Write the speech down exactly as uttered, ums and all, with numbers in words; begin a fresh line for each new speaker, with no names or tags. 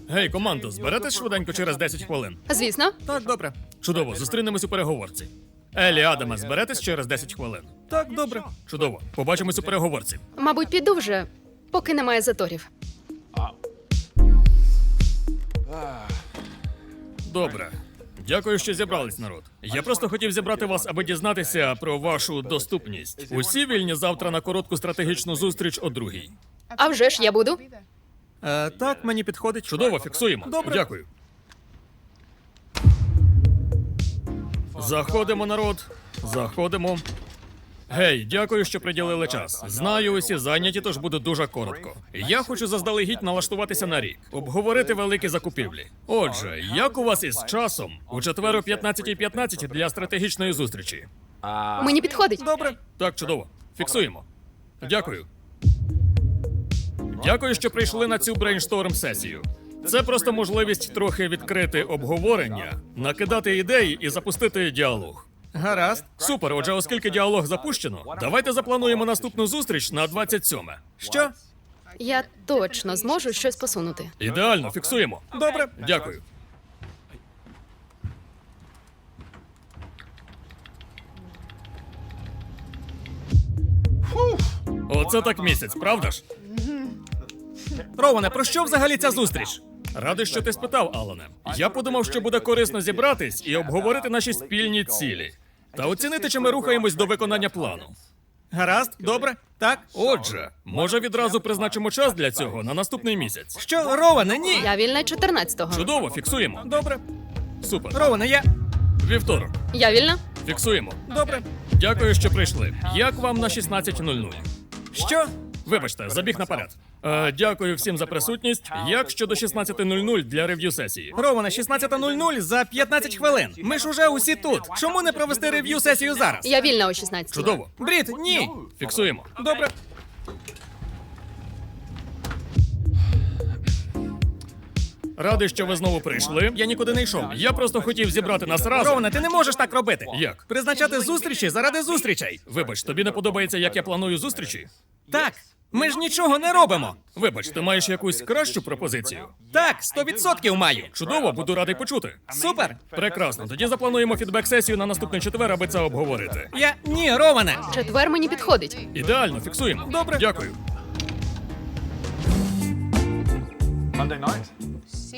Гей, командо, зберетесь швиденько через десять хвилин?
Звісно.
Так, добре. Чудово, зустрінемось у переговорці. Елі, Адаме, зберетесь через десять хвилин? Так, добре. Чудово. Побачимось у переговорці.
Мабуть, піду вже, поки немає заторів.
Добре. Дякую, що зібрались, народ. Я просто хотів зібрати вас, аби дізнатися про вашу доступність. Усі вільні завтра на коротку стратегічну зустріч о другій.
А вже ж я буду.
Е, так, мені підходить. Чудово, фіксуємо. Добре. Дякую. Заходимо, народ. Заходимо. Гей, дякую, що приділили час. Знаю, усі зайняті, тож буде дуже коротко. Я хочу заздалегідь налаштуватися на рік, обговорити великі закупівлі. Отже, як у вас із часом у четвер о п'ятнадцятій п'ятнадцять для стратегічної зустрічі?
Мені підходить.
Добре. Так, чудово. Фіксуємо. Дякую. Дякую, що прийшли на цю брейншторм-сесію. Це просто можливість трохи відкрити обговорення, накидати ідеї і запустити діалог. Гаразд. Супер. Отже, оскільки діалог запущено, давайте заплануємо наступну зустріч на двадцять сьоме. Що?
Я точно зможу щось посунути.
Ідеально, фіксуємо. Добре. Дякую. Оце так місяць, правда ж? Роване, про що взагалі ця зустріч? Радий, що ти спитав, Алане. Я подумав, що буде корисно зібратись і обговорити наші спільні цілі. Та оцінити, чи ми рухаємось до виконання плану. Гаразд, добре, так. Отже, може відразу призначимо час для цього на наступний місяць. Що, Роване, ні?
Я вільна чотирнадцятого.
Чудово, фіксуємо. Добре. Супер. Роване, я... Вівторок.
Я вільна?
Фіксуємо. Добре. Дякую, що прийшли. Як вам на шістнадцять нуль нуль? Що? Вибачте, забіг наперед. Е, дякую всім за присутність. Як щодо шістнадцять нуль нуль для рев'ю сесії? Роване, шістнадцять нуль нуль за п'ятнадцять хвилин. Ми ж уже усі тут. Чому не провести рев'ю сесію зараз?
Я вільна о шістнадцятій.
Чудово. Брід, ні. Фіксуємо. Добре. Радий, що ви знову прийшли. Я нікуди не йшов. Я просто хотів зібрати нас разом. Роване, ти не можеш так робити. Як? Призначати зустрічі заради зустрічей. Вибач, тобі не подобається, як я планую зустрічі? Так. Ми ж нічого не робимо. Вибач, ти маєш якусь кращу пропозицію? Так, сто відсотків маю. Чудово, буду радий почути. Супер. Прекрасно. Тоді заплануємо фідбек-сесію на наступний четвер, аби це обговорити. Я... Ні, Роване.
Четвер мені підходить.
Ідеально, фіксуємо. Добре. Дякую.
Monday night?